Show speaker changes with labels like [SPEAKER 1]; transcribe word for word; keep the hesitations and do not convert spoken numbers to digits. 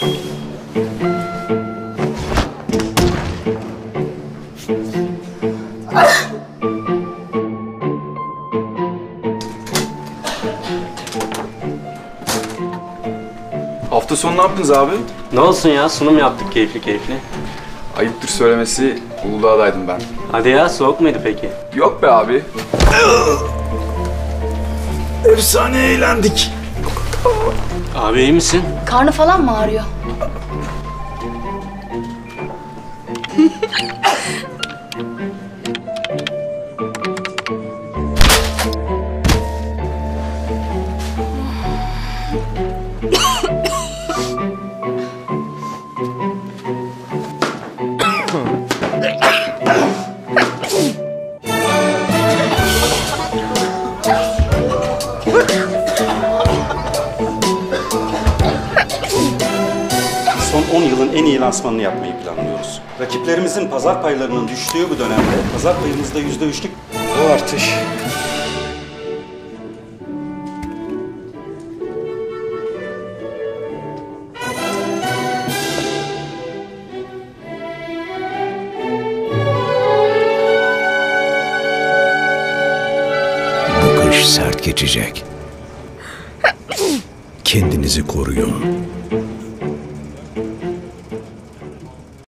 [SPEAKER 1] Hafta sonu ne yaptınız abi?
[SPEAKER 2] Ne olsun ya, sunum yaptık keyifli keyifli.
[SPEAKER 1] Ayıptır söylemesi, Uludağ'daydım ben.
[SPEAKER 2] Hadi ya, soğuk muydu peki?
[SPEAKER 1] Yok be abi. Efsane eğlendik.
[SPEAKER 2] Abi iyi misin?
[SPEAKER 3] Karnı falan mı ağrıyor?
[SPEAKER 4] Son on yılın en iyi lansmanını yapmayı planlıyoruz. Rakiplerimizin pazar paylarının düştüğü bu dönemde pazar payımızda yüzde üçlük
[SPEAKER 1] Bu artış.
[SPEAKER 5] Bu kış sert geçecek. Kendinizi koruyun.